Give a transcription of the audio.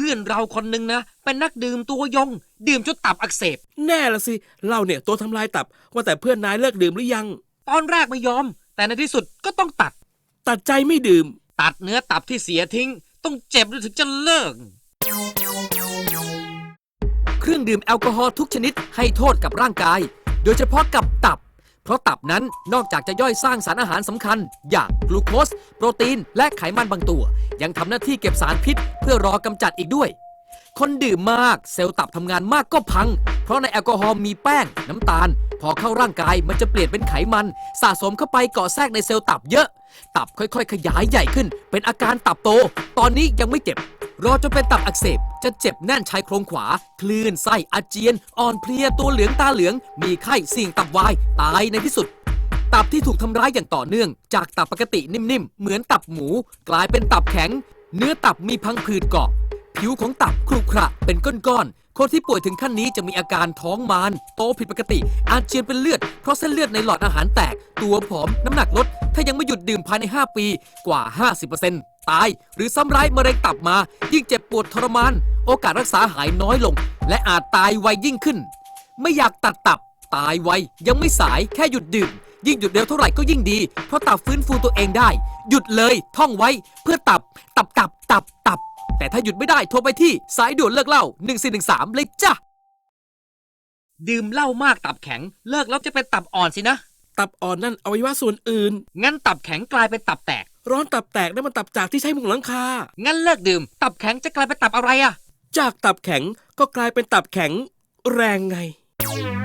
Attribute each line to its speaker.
Speaker 1: พื่อนเราคนนึงนะเป็นนักดื่มตัวยงดื่มจนตับอักเสบ
Speaker 2: แน่ละสิเราเนี่ยตัวทำลายตับว่าแต่เพื่อนนายเลิกดื่มหรือยัง
Speaker 1: ตอนแรกไม่ยอมแต่ในที่สุดก็ต้อง
Speaker 2: ตัดใจไม่ดื่ม
Speaker 1: ตัดเนื้อตับที่เสียทิ้งต้องเจ็บถึงจะเลิกเครื่องดื่มแอลกอฮอล์ทุกชนิดให้โทษกับร่างกายโดยเฉพาะกับตับเพราะตับนั้นนอกจากจะย่อยสร้างสารอาหารสำคัญอย่างกลูโคสโปรตีนและไขมันบางตัวยังทำหน้าที่เก็บสารพิษเพื่อรอกำจัดอีกด้วยคนดื่มมากเซลล์ตับทำงานมากก็พังเพราะในแอลกอฮอล์มีแป้งน้ำตาลพอเข้าร่างกายมันจะเปลี่ยนเป็นไขมันสะสมเข้าไปเกาะแทรกในเซลล์ตับเยอะตับค่อยๆขยายใหญ่ขึ้นเป็นอาการตับโตตอนนี้ยังไม่เจ็บรอจนเป็นตับอักเสบจะเจ็บแน่นชายโครงขวาคลื่นไส้อาเจียนอ่อนเพลียตัวเหลืองตาเหลืองมีไข้เสี่ยงตับวายตายในที่สุดตับที่ถูกทำร้ายอย่างต่อเนื่องจากตับปกตินิ่มๆเหมือนตับหมูกลายเป็นตับแข็งเนื้อตับมีพังผืดเกาะผิวของตับครุขระเป็นก้อนๆคนที่ป่วยถึงขั้นนี้จะมีอาการท้องมารโตผิดปกติอาเจียนเป็นเลือดเพราะเส้นเลือดในหลอดอาหารแตกตัวผอมน้ำหนักลดถ้ายังไม่หยุดดื่มภายใน5ปีกว่า 50%ตายหรือซ้ำร้ายมะเร็งตับมายิ่งเจ็บปวดทรมานโอกาสรักษาหายน้อยลงและอาจตายไวยิ่งขึ้นไม่อยากตัดตับตายไวยังไม่สายแค่หยุดดื่มยิ่งหยุดเร็วเท่าไหร่ก็ยิ่งดีเพราะตับฟื้นฟูตัวเองได้หยุดเลยท่องไว้เพื่อตับแต่ถ้าหยุดไม่ได้โทรไปที่สายด่วนเลิกเหล้า1413เลยจ้ะดื่มเหล้ามากตับแข็งเลิกแล้วจะเป็นตับอ่อนสินะ
Speaker 2: ตับอ่อนนั่นอวัยวะส่วนอื่น
Speaker 1: งั้นตับแข็งกลายเป็นตับแตก
Speaker 2: ร้อนตับแตกนั่นมันตับจากที่ใช้มุงหลังคา
Speaker 1: งั้นเลิกดื่มตับแข็งจะกลายเป็นตับอะไรอะ
Speaker 2: จากตับแข็งก็กลายเป็นตับแข็งแรงไง